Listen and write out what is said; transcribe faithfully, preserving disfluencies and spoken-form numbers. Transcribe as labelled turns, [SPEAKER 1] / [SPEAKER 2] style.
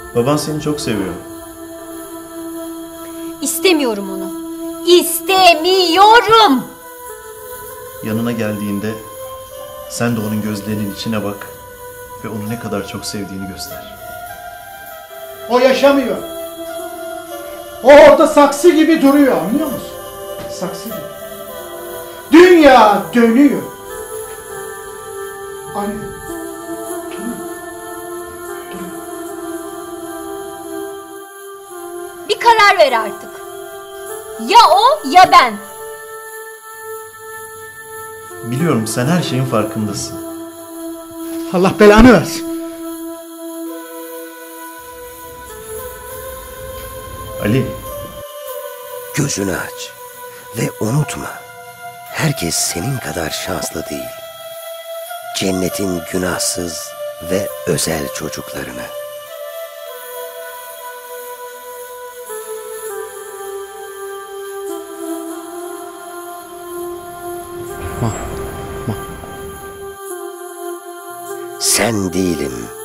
[SPEAKER 1] Baban seni çok seviyor.
[SPEAKER 2] İstemiyorum onu. İstemiyorum.
[SPEAKER 1] Yanına geldiğinde sen de onun gözlerinin içine bak ve onu ne kadar çok sevdiğini göster.
[SPEAKER 3] O yaşamıyor. O orada saksı gibi duruyor, anlıyor musun? Saksı gibi. Dünya dönüyor. Anne.
[SPEAKER 2] Bir karar ver artık. Ya o ya ben.
[SPEAKER 1] Biliyorum, sen her şeyin farkındasın.
[SPEAKER 3] Allah belanı versin.
[SPEAKER 1] Ali.
[SPEAKER 4] Gözünü aç ve unutma. Herkes senin kadar şanslı değil. Cennetin günahsız ve özel çocuklarını.
[SPEAKER 3] Ma, ma.
[SPEAKER 4] Sen değilim.